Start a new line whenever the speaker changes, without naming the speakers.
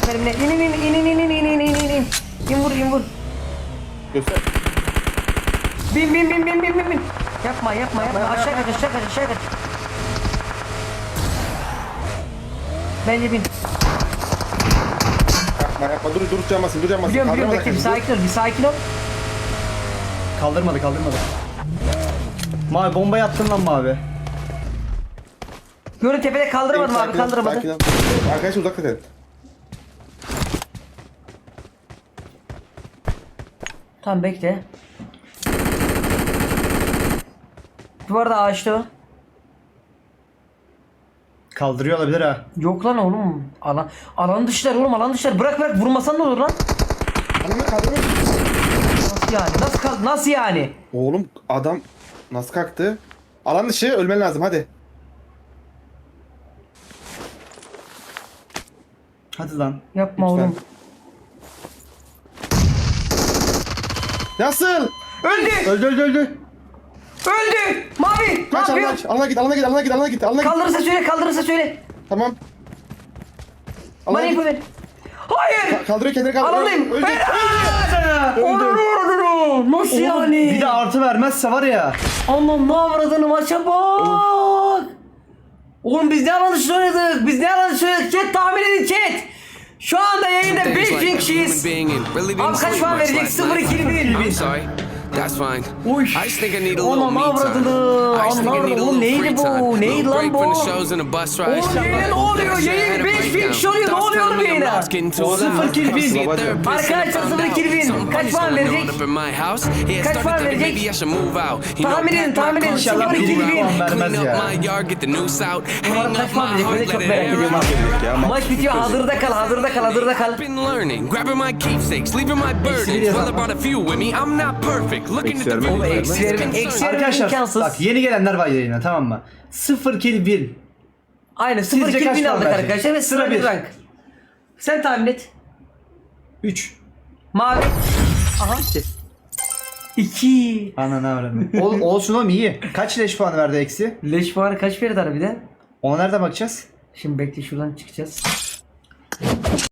mermine. İn. İn vur.
Göster.
Bin. Yapma. Aşağı kaç. Bence bin.
Yapma. Dur canmasın.
Biliyorum.
Kaldırmadan
Bekle bir sakin ol.
Kaldırmadı. Mavi bombayı attın lan Mavi.
Görün tepede kaldıramadım abi, kaldıramadı.
Sakin ol. Arkadaşlar uzak edin.
Tamam bekle. Duvarda ağaçta o.
Kaldırıyor olabilir ha.
Yok lan oğlum. Alan dışlar oğlum, alan dışlar. Bırak vurmasan ne olur lan?
Kaldırma.
Nasıl yani? Nasıl yani?
Oğlum adam nasıl kalktı? Alan dışı ölmen lazım hadi.
Hadi lan.
Yapma
Lütfen.
oğlum.
Nasıl?
Öldü. Mavi.
Kaç
Ne yapıyor?
alana git.
Kaldırırsa söyle.
Tamam.
Bana
Alana
info
git.
ver. Hayır.
Kaldırıyor kendini kaldırıyor.
Alandayım.
Öldü.
Nasıl yani?
Bir de artı vermezse var ya.
Aman ne avradını, maça bak. Oğlum biz ne alanı oynadık? Chat tahmin edin chat. Şu anda yayında 5000 kişiyiz. Abi kaç puan verecek? 0-2-1.
That's fine.
Uy.
I just think I need a little
Anam
me
avradını.
time. I just think I need a little
Neydi
free
bu?
time.
Neydi
Little
lan
break
bu?
from the shows and the bus ride.
Oğlum yayın ne oluyor? Yayın 5000 kişi oluyor. Ne oluyor oğlum yayına?
Sıfır kill bin.
Arkadaşlar 0-2-1. Kaç puan verecek? Kaç puan verecek? Tahmin edin.
İnşallah
0-2-1.
puan vermez ya.
Umarım kaç puan verecek? Ben de çok merak ediyorum abi. Maç bitiyor. Hazırda kal.
Been learning, grabbing my keepsakes, leaving my burdens. Well, I brought a few with me. I'm not perfect. Looking at the
Eksi
view.
Eksi vermek
Arkadaşlar
imkansız.
bak yeni gelenler var yayına, tamam mı? 0 kill win.
Aynen
Sizce
0-2-1
kaç puan
aldık
verecek?
arkadaşlar ve
Sıra
sıra bir
bir.
rank. Sen tahmin et.
3.
Mavi. Aha. 2.
Ana ne öğrendim. Olsun oğlum iyi. Kaç leş puanı verdi eksi?
Leş puanı kaç verdi harbiden?
Ona nerede bakacağız?
Şimdi bekle, şuradan çıkacağız.